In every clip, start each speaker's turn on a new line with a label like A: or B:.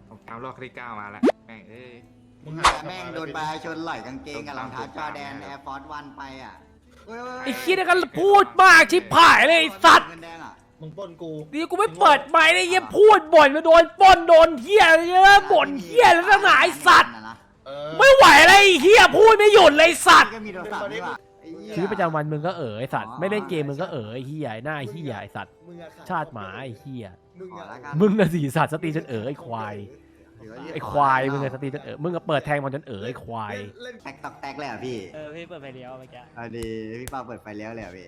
A: เอารอบที่9มาแล้วแม่ง
B: แม่งโดนปลาชนไหล่กางเกงกับรองเท้าจอแดนแอร์ฟอร์สวันไปอ่ะ
C: ไอ้ขี้ยนี่ก็พูดมากชิบหายเลยไอ้สัตว์
B: เงินแดงอ่ะ
D: มึงปล้นกู
C: นี่กูไม่เปิดไมค์เลยเหี้ยพูดบ่นมาโดนปล้นโดนเหี้ยเยอะบ่นเหี้ยแล้วตั้งหลายสัตว์ไม่ไหวเลยไอ้เหี้ยพูดไม่หยุดเลยสัตว์
B: ก็มีโทรศัพท์นี่ว่ะ
C: ชีวิตประจำวันมึงก็ไอ้สัตว์ไม่เล่นเกมมึงก็ไอ้เหี้ยหน้าไอ้เหี้ยไอ้สัตว์ชาติหมาไอ้เหี้ยมึงน่ะสิสัตว์สตรีจนไอ้ควายไอ้ควายมึงน่ะสตรีจนมึงก็เปิดแทงมันจนไอ้ควาย
B: แตกตอกแตกเลยอ่ะพี่
E: พี่เปิดไฟเลี้ยวเมื่อกี้
B: เอาดีพี่ป้าเปิดไฟเลี้ยวเลยอ่ะพี่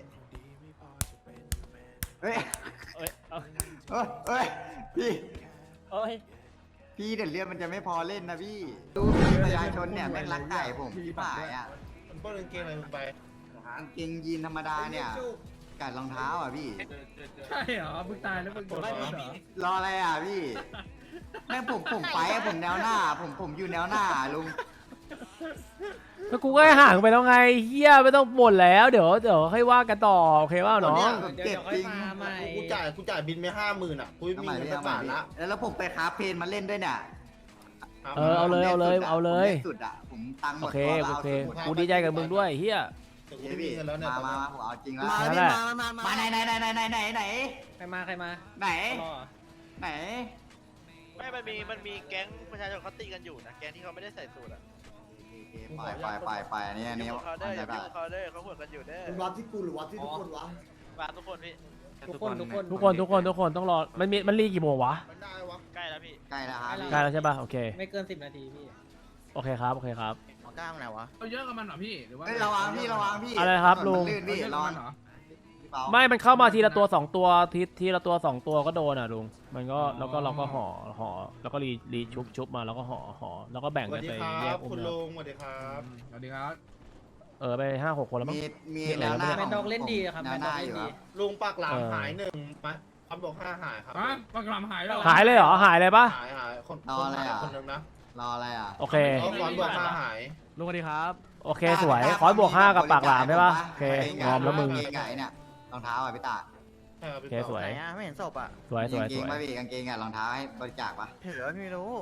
B: เฮ้ย
E: เอ้ยเอา
B: เฮ้ยพี่
E: เอ้ย
B: พี่เดี๋ยวเลือดมันจะไม่พอเล่นนะพี่ดูประชาชนเนี่ยแม่งรักไก่ผมพี่ป่ายอ่ะ
D: มึงปล้นกางเกงอะไรมึงไป
B: กางเกงยีนธรรมดาเนี่ยกัดรองเท้าอ่ะพี่
F: ใช่เหรอมึงตายแล้วมึงโดนเหรอ
B: รออะไรอ่ะพี่แม่งผมไปอ่ะผมแนวหน้าผมอยู่แนวหน้าลุง
C: แล้วกูก็ให้ห่างไปแล้วไงเหี้ยไม่ต้องบ่นแล้วเดี๋ยวให้ว่ากันต่อโอเคว่าน้อง
B: ผมเจ็บจริง
D: กูจ่ายบินไป50,000อ่ะกูไม่มีเงินสักบาทละ
B: แล้วผมไปคาเพนมาเล่นด้วยเนี่ย
C: เอาเลย
B: ผมสุดอ่ะผมตังค์หม
C: โอ
B: ด
C: เค
B: ตัว
C: โอเคกูดีใจกับมึงด้วยเฮีย
D: แต่กูไม่มีเงินแล้วเนี่ย
B: มาผมเอาจริงแล้ว
C: นั่นแหละ
B: มาไหน
E: ใครมา
B: ไหน
E: รอ
B: ไหน
G: ไม่มันมีแก๊งประชาชนเขาตีกันอยู่นะ แก๊งที่เขาไม่ได้ใส่สูตรอ่ะ
B: ไปอันนี้
G: อยู่เขาเด้ออย่า
B: ได้
G: ยุ่งเขาเด้อเขาหัวกันอยู่เด้อ
H: มันวัดที่กูหรือวัดที่ทุกคนวะ
G: มาทุกคนพี่
C: ทุกคนต้องรอมันรีกี่โมงวะ
D: มันได้วะ
G: ใกล้แล้วพี่
B: ใกล้แล้วครับ
C: ใกล้แล้วใช่ป่ะโอเค
E: ไม่เกิน10 นาทีพี่
C: โอเคครับ
D: กล้ามไหนวะ
F: เอาเยอะกับมันเหรอพี่หรือว่า
B: ระวังพี่
C: อะไรครับลุง
B: ลื่นพี่
F: เอาเยอะ
B: ระ
F: กับ
B: วั
F: มั
B: ง
F: นเหรอ
C: ไม่มันเข้ามาทีละตัว2ตัวทีละตัว2ตัวก็โดนอ่ะลุงมันก็แล้วก็เราก็ห่อแล้วก็รีชุบมาแล้วก็ห่อแล้วก็แบ่ง
D: สวั
C: กั
D: ส
C: น
D: ดี
C: ไป
D: ค
C: แย
D: รั
C: ก
D: บ
C: อุ้
D: คุณ
C: ม
D: ลุงสวัสดีครับ
F: สวัสดีครับ
C: ไป5-6 คนแล้วมั้ง
B: มีแนวหน้า
E: แมนดอกเล่นดีครับ
B: แน
E: แม
B: วน ห
E: ดอ
B: น้าก อ
E: เล่น
B: ยู่ค
E: ดี
B: รับ
D: ลุงปากหลามหาย1มาคำบอก5หายครับ
F: อ่ะปากกลามหายแล้ว
C: หายเลยเหรอหายเลยปะ
D: หายคนหายคนนึงนะ
B: รออะไรอ่ะ
C: โอเค
D: ก่อนบอก5หาย
C: ลุงสวัสดีครับโอเคสวยขอบวก5กับปากหลามได้ปะโอเคงอมแล้วมึง
B: กางเกงไงเนี่ยรองเท้าอ่ะพี่ตา
D: ใช่ครับ
C: โอเคสวย
E: ไหนอ่ะไม่เห็นศพอ่ะ
C: สวย
B: กางเกงป่ะพี่กางเกงอ่ะรองเท้าให้บริจาคป่ะ
E: ถือว่าไม่รู้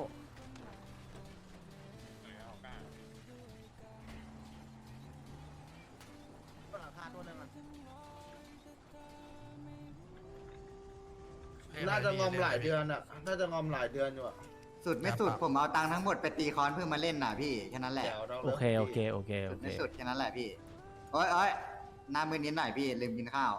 D: น่าจะงอมหลายเดือนอ่ะน่าจะงอมหลายเดือนอยู่อ่ะ
B: สุดไม่สุดผมเอาตังค์ทั้งหมดไปตีคอนเพื่อมาเล่นน่ะพี่แค่นั้นแหละ
D: เดี๋ยวเรา
C: โอเค
B: สุดไม่สุดแค่นั้นแหละพี่โอ้ยหน้ามือนิดหน่อยพี่ลืมกินข้าว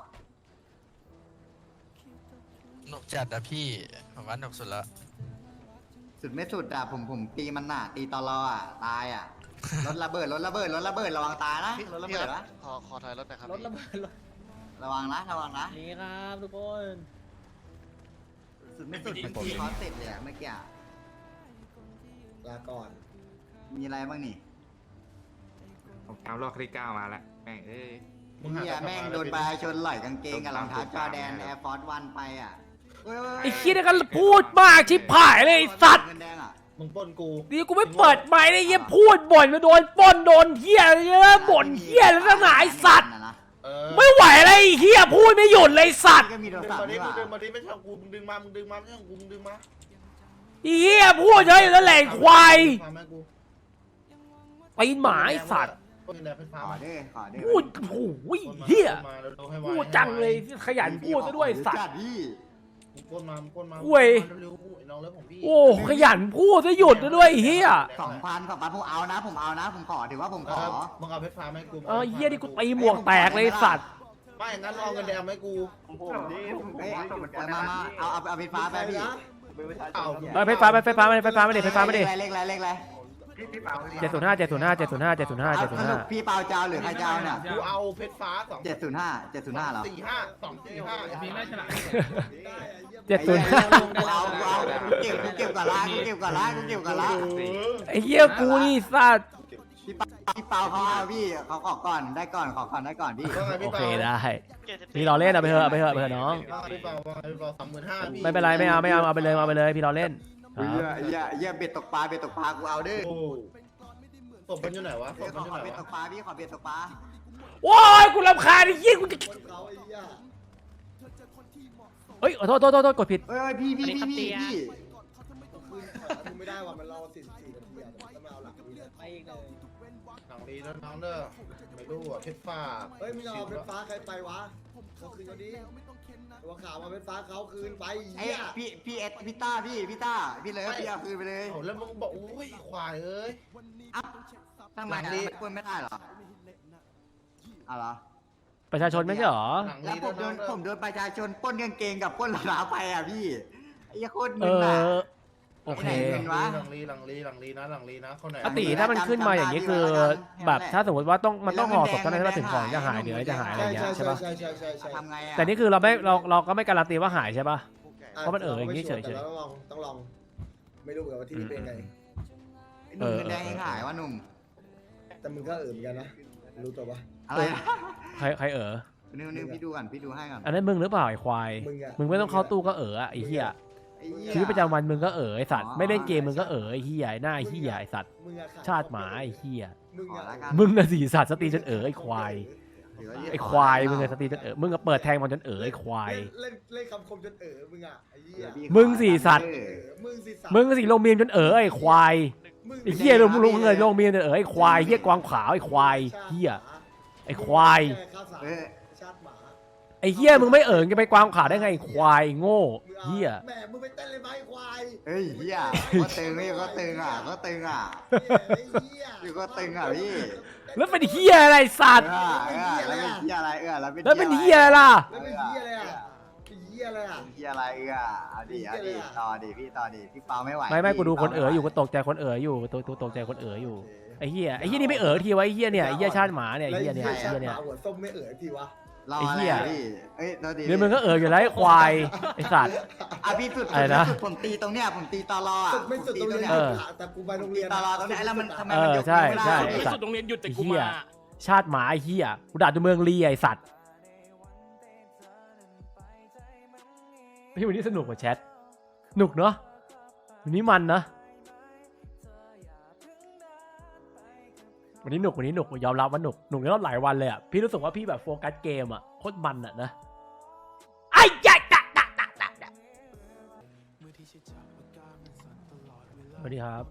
I: หนุกจัดนะพี่ผมว่าหนุกสุดละ
B: สุดไม่สุดอ่ะผมตีมันน่ะตีตลออ่ะตายอ่ะรถระเบิดระวังตายนะรถระเบิดนะ
G: ขอถอยรถนะครับ
E: รถระเบิดรถ
B: ระวังนะ
E: นี่ครับทุกคน
B: สุดไม่สุดตีคอนเสร็จเลยอ่ะเมื่อกี้อะ
H: ลาก่อน
B: มีอะไรบ้างนี่
A: เอารอบที่9มาแล้วแม่ง
B: แม่งโดนปลาชนไหล่กางเกงกับรองเท้าจอแดนแอร์ฟอร์สวันไปอ่ะ
C: ไอ้ขี้ยนี่ก็พูดมากชิบหายเลยไอ้สัตว์
B: เงินแดงอ่ะ
D: มึงปล้นกู
C: นี่กูไม่เปิดไมค์เลยเหี้ยพูดบ่นมาโดนปล้นโดนเหี้ยเยอะบ่นเหี้ยแล้วตั้งหลายสัตว์ไม่ไหวเลยไอ้เหี้ยพูดไม่หยุดเลยสัตว์
B: ก็มีโทร
D: ดึง
B: ศัพ
D: มา
B: ท์
D: ดิ
B: นี่
D: มึ
B: ว่ะ
D: งดึงมาดิไม่ใช่กูมึงดึงมาไม่ใช่กูมึงดึงมา
C: ไอ้เหี้ยพูดเยอะอยู่นั่นแหละไอ้ควาย
D: ฟังแม่กู
C: ตีนหมาไอ้สัตว์
D: ปล้นแดงเป็นฟ้า
B: ขอเด้อ
C: พูดโอ้ยเหี้ยพูดจังเลยขยันพูดซะด้วยสัตว์
B: จัดพี่
D: ปล้นมาเร็วๆน้องเลิฟของพี่
C: โอ้ขยันพูดซะหยุดซะด้วยไอ้เหี้ย
B: 2,000ผมเอานะผมขอถือว่าผมขอ
D: มึงเอาเพชรฟ้าไหมกู
C: เหี้ยนี่กูตีหมวกแตกเลยไอ้สัตว์
D: ไม่งั้นเอาเงินแดงไหมกู
B: เฮ้ยมาเอาไฟฟ้าไปพี่
D: เอา
C: ไฟฟ้าไม่ดิไฟฟ้าไม่ดิ
B: เลขอะไร
C: 705
B: พี่เปาเจ้าหรือใครเจ้าเนี่ย
D: กูเอาเพชรฟ้า2
B: 705เหรอ
F: มีไม่ฉลาด
C: 705
B: เอาเก็บก่อนละ
C: ไอ้เหี้ยกูนี่สัตว์
B: พี่เปาเขาเอาพี่เขาขอก่อนได้ก่อนพี่
C: โอเคได้พี่รอเล่นเอาไปเถอะน้อง
D: พี่เปา35,000พี่
C: ไม่เป็นไรไม่เอาไปเลยพี่รอเล่น
B: อย่าเบ็ดตกปลากูเอาด้
D: ศพมันอยู่ไหนวะศพมันอยู่ไหน
B: เบ็ดต
D: วะ
B: กปลาพี่ขอเบ็ดตกปลา
C: โอ้ยกูรำคาญไอ้เหี้ยกูจะ
H: เขาไอ้ย่า
C: เฮ้ยโทษกดผิด
B: เอ้ยพี่
H: ได้ว่ามันรอ44 นาทีอ่ะแล้วมาเอาหลักนี้เลย
E: ไปอีกเลย
D: หลังลีแล้วน้องเด้อไม่รู้อ่ะเพชรฟ้า
H: เฮ้ยมึงเอาเป็นฟ้าใครไปวะเขาคืนเขาดิตัวขาวมาเป็นฟ้าเขาคืนไป
B: ไอ้
H: เหี้ย
B: พี่เอสพี่ต้าพี่เลยพี่เอาคืนไปเลย
D: เอาแล้วมึงบอกโอ้ยควายเอ้ย
B: ทำไม
D: หลัง
B: อ่ะ
D: นี้
B: ไม่ปล้นไม่ได้เหรอเอาเหรอ
C: ประชาชนไม่ใช่เหรอ
D: หลัง
B: แล้ว
D: ลี
B: ผมโด
D: แล้วน้อน งเด้อ
B: ผมโดนประชาชนปล้นกางเกงกับปล้นรองเท้าไปอ่ะพี่ไอ้โคตร
C: เอ
B: มึนอ่ะ
C: อ โอเค
B: ไหนวะ
D: หลังลีนะคนไหน
C: อติถ้ามันขึ้นมาอย่างนี้คือ แบบถ้าสมมติว่ามันต้องห่อศพเท่านั้นใช่ปะถึงของจะหายหรืออะไรจะหายอะไรอย่างเงี้ยใช่ปะ
H: ใช่
B: ทำไงอ่ะ
C: แต่นี่คือเราก็ไม่การันตีว่าหายใช่ปะ เพราะมันอย่างนี้เฉยๆ
H: แต่ราต้องลองไม่รู้เหมือนกันว่าที่นี่เป็นไง
B: หนุ่มเงินแดงยังหายวะหนุ่ม
H: แต่มึงก็เหมือนกันนะรู้ตัวปะ
B: อะไรนะ
C: ใคร
B: นึงพี่ดูก่อนพี่ดูให้ก่อน
C: อันนั้นมึงหรือเปล่าไอ้ควาย
H: มึงอะ
C: มึงไม่ต้องเข้าตู้ก็อะไอ้เหี้ย
B: ไอ้เหี้ย
C: ชีวิตประจำวันมึงก็ไอ้สัตว์
B: อ๋อ
C: ไม่เล่นเกมมึงก็ไอ้เหี้ยไอ้หน้าไอ้เหี้ยไอ้สัตว์
H: มึงอะขด
C: ชาติหมาไอ้เหี้ย
H: มึง
B: ขอ
H: อะ
B: ละกัน
C: มึงน่ะสิสัตว์สตรีจนไอ้ควาย
B: ถืว่า
C: ไอ้ควายมึงน่ะสตรีจนมึงก็เปิดแทงมันจนไอ้ควาย
H: เล่นคำคมจนมึงอะไอ้เหี้ย
B: เดี๋ยวพี่
C: มึงสิสัตว์
H: มึงสิสัตว์
C: มึงก็สิลงเมียมจนไอ้ควาย ไอ้เหี้ยลงเงินลงเมียมจนไอ้ควายเหี้ยกวางขาวไอ้ควายเหี้ยไอ้ควาย
B: เออ
H: ชาติหมา
C: ไอ้เหี้ยมึงไม่จะไปกวางขาวได้ไงไอ้ควายโง่เหี้ย
H: แหมมึงไปเต้นเลยไหมควาย
B: เฮ้ยเหี้ยก็ตึงก็ตึงอ่ะก็ตึงอ่ะ อยู่ก็ตึงอ่ะพี่
C: แล้วเป็นเหี้ยอะไรสัตว์
B: แล้วเป็นเหี้ยอะไรแล้วเป็น
C: แล้วเป็นเหี้ยอะไรล่ะ
H: แล้วเป็นเหี้ยอะไรอ่ะเป็นเหี้ยอะไรอ่ะ
B: เหี้ยอะไรเอาดิต่อดิพี่เปาไม่ไหว
C: ไม่กูดูคนอยู่ก็ตกใจคนอยู่ตัวตกใจคนอยู่ไอ้เหี้ยนี่ไม่ทีวะไอ้เหี้ยเนี่ยไอ้เหี้ยชาติหมาเนี่ยไอ้เหี้ยเนี่ยไอ้
H: ชา
C: เหี้ย
H: ติห
C: เนี่ย
H: มาหัวส้มไม่ทีวะ
B: รออะไรพี่เอ้ยโทษที
C: เดี๋ยวมึงก็อยู่แล้วไอ้ควายไอ้สัตว์
B: อ่ะพี่สุด
C: อะไรนะ
B: ผมตีตรงเนี้ยผมตีตลออ่ะ
H: สุดไม่สุดตรงเรียน
C: เออ
H: แต่กูไปโรงเรียน
B: ตลอตรงนี้แล้วมันทำไม
C: เอ
B: มัน
C: อย
B: ก
C: ใช่
B: ไม่ได้
C: ใช่
B: พี่
C: ไอ้สัตว์ไอ้เหี้ยชาติหมาไอ้เหี้ยกูด่าจนเมืองลีไอ้สัตว์พี่วันนี้สนุกกว่าแชทหนุกเนาะวันนี้มันนะวันนี้หนุกยอมรับว่าหนุกแล้วหลายวันเลยอ่ะพี่รู้สึกว่าพี่แบบโฟกัสเกมอ่ะโคตรมันอ่ะนะไอ้ยัยสวัสดีครับ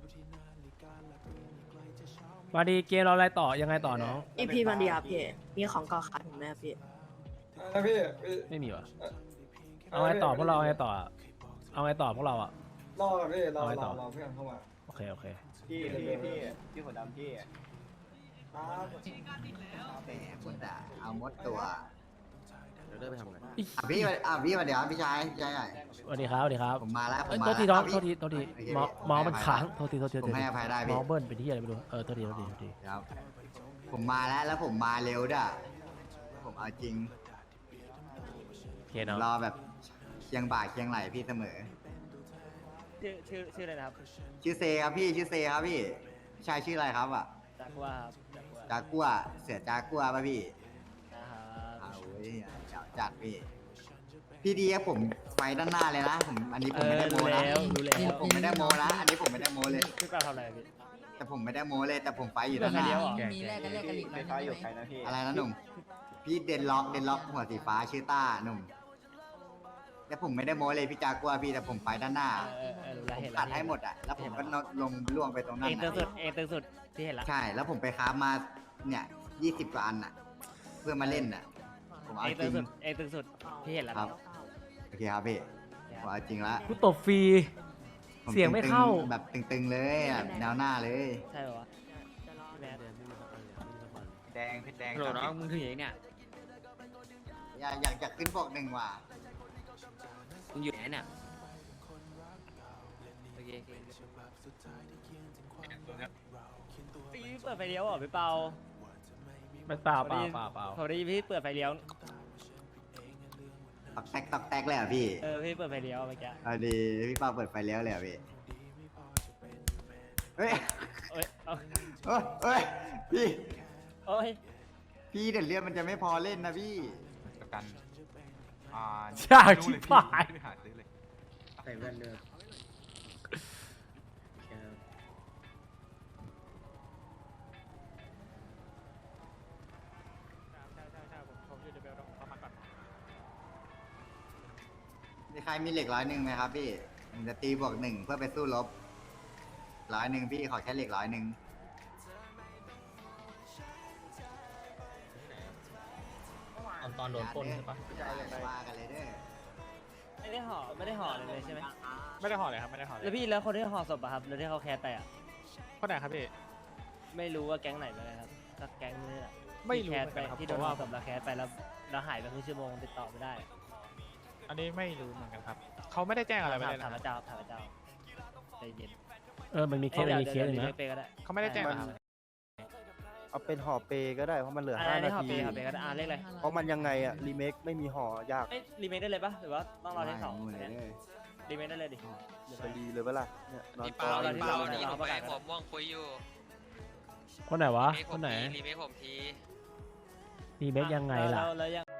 C: สวัสดีเกมเราอะไรต่อยังไงต่อน้อง
J: พี่มันดีครับพี่มีของเก่าขายผมไหมครับพี่
C: ไม่มีวะเอาไงต่อพวกเราเอาไงต่อเอาไงต่อพวกเราอ่ะ
H: รอพี่รอ
C: เอาไงต่อ
H: เพื่อนเข้ามา
C: โอเค
H: พี่หัวดำพี่
B: แหมคุณด่าเอามดตัวพี่มาเดี๋ยวพี่ชายใหญ่
C: สวัสดีครับ
B: ผมมาแล้วผม
C: เอ้ย
B: มา
C: โทษทีน้องโทษที
B: โอเค
C: เมาส์มันค้างโทษที
B: ผมให้อภัยได้
C: เมา
B: พี่
C: ส์เบิ้ลเป็นที่อะไรไม่รู้โทษที
B: ครับผมมาแล้วผมมาเร็วด้วยผมเอาจริง
C: โอเคเนาะ
B: รอแบบเคียงบ่าเคียงไหลพี่เสมอ
E: ชื่ออะไรนะครับ
B: ชื่อเซครับพี่ชื่อเซครับพี่พี่ชายชื่ออะไรครับอ่ะ
E: จากว่าครับ
B: จากัวเสือจากัวป่ะพี่
E: นะครับ
B: เอาเว้ยเดี๋ยวจัดพี่ดีครับผมไฟด้านหน้าเลยนะผมอันนี้ผมไม่ได้โม
E: รู้
B: นะ
E: แล้ว
B: ผมไม่ได้โมนะอันนี้ผมไม่ได้โมเลย
E: พี่เปาทำอะไรพี่
B: แต่ผมไม่ได้โมเลยแต่ผมไฟอยู่ด้านหน้า
J: มีแลกกันอีกแล้วไฟอยู่ใครนะพี่
B: อะไรนะหนุ่มพี่เดนล็อกหัวสีฟ้าชื่อต้าหนุ่มแต่ผมไม่ได้โมเลยพี่จากัวพี่แต่ผมไฟด้านหน้า
E: รู้แล้ว
B: ผม
E: เห็น
B: ตัดให้หมดอ่ะแล้วผมก็ลงล่วงไปตรงนั้น
E: เองตึงสุ
B: น่ะ
E: ดเองตึงสุดที่เห็นละ
B: ใช่แล้วผมไปค้าฟมาเนี่ย20 กว่าอันอ่ะ เพื่อมาเล่นอ่ะผมเอา
E: เอง
B: จ
E: ตึ
B: ริ
E: ง
B: ง
E: สุดเองตึงสุดที่เห็นละ
B: ครับโอเคครับพี่ผมเอาจริงละ
C: กูตบฟรี
B: ผม
C: เสียงไม่เข้า
B: ตึๆแบบตึงๆเลยแบบแนวหน้าเลย
E: ใช่ป่าวะ
A: แดงเพชรแดง
E: โหลน้องมึงถืออย่างเนี่ย
B: อยากขึ้นปกหนึ่งว่ะ
E: มึงอยู่ไหนเนี่ยโอเคพี่เปิดไฟเลี้ยวเหรอพี่เปา
C: ไม่เปล่า
E: เขาได้พี่เปิดไฟเลี้ยว
B: ตอกแตกเลยเหรอ่ะพี่
E: พี่เปิดไฟเลี้ยวเมื่อกี้
B: เอาดีพี่ป้าเปิดไฟเลี้ยวเลยเหรอ่ะพี่เฮ้ย
E: เอ้ยเอา
B: เฮ้ยพี่
E: โอ้ย
B: พี่เดี๋ยวเรื่องมันจะไม่พอเล่นนะพี่
A: ประกัน
C: ชาชิบหาย
A: ไปหาซื้อเลย
E: ใส่แว่นด้วย
B: มีใครมีเหล็ก100ไหมครับพี่ผมจะตีบวก 1เพื่อไปสู้รบ 100พี่ขอแค่เหล็ก100
E: ตอนโดนปล้นใช่ปะ
B: ว่ากันเลยเด้อ
E: ไม่ได้ห่อเลยใช่ไหม
F: ไม่ได้ห่อเลยครับไม่ได้ห่อเลย
E: แล้วพี่แล้วคนที่ห่อศพอะครับแล้วที่เขาแคสไปอะ
F: คนไหนครับพี่
E: ไม่รู้ว่าแก๊งไหนไปเลยครับก็แก๊งนี้แหละ
F: ไม่รู้
E: ที่
F: เห
E: แค
F: มื
E: ส
F: อนกันครับ
E: ไปที่โดน
F: เพราะ
E: ห่อ
F: ว่า
E: ศพแล้วแคสไปแล้วหายไปครึ่งชั่วโมงติดต่อไม่ได้
F: อันนี้ไม่รู้เหมือนกันครับเขาไม่ได้แจ้งอะไรไปเลย
E: ถาม
F: นะ
E: พระเจ้าใจเย็น
C: มันมีเคสมีเคสหนึ่งนะ
E: เปก็ได้
F: เขาไม่ได้แจ้งนะครับ
K: เอาเป็นห่อเปก็ได้เพราะมันเหลือ
E: อันนี้
K: 5 นา
E: ห่อ
K: ที
E: เปก็ได้เลขอะไร
K: เพราะมันยังไงอะรีเมคไม่มีห่อยาก
E: รีเมคได้เลยปะหรือว่าต้องรอเลขสอง
B: หมดเลยเด้อ
E: รีเมคได้เลยดิ
K: จะดีเลยเวล่ะเนี่ยนอน
I: พี่เปา
E: เรา
I: พี่เปา
E: เรา
I: นี่
E: เรา
I: ผม
E: ประ
I: ไป
E: กาศ
I: ผมม่วงคุยอยู่
C: คนไหนวะ
I: รีเมค
C: คนไหน
I: รีเมคผมที
C: รีเมคยังไงล่ะ
E: แล้วยัง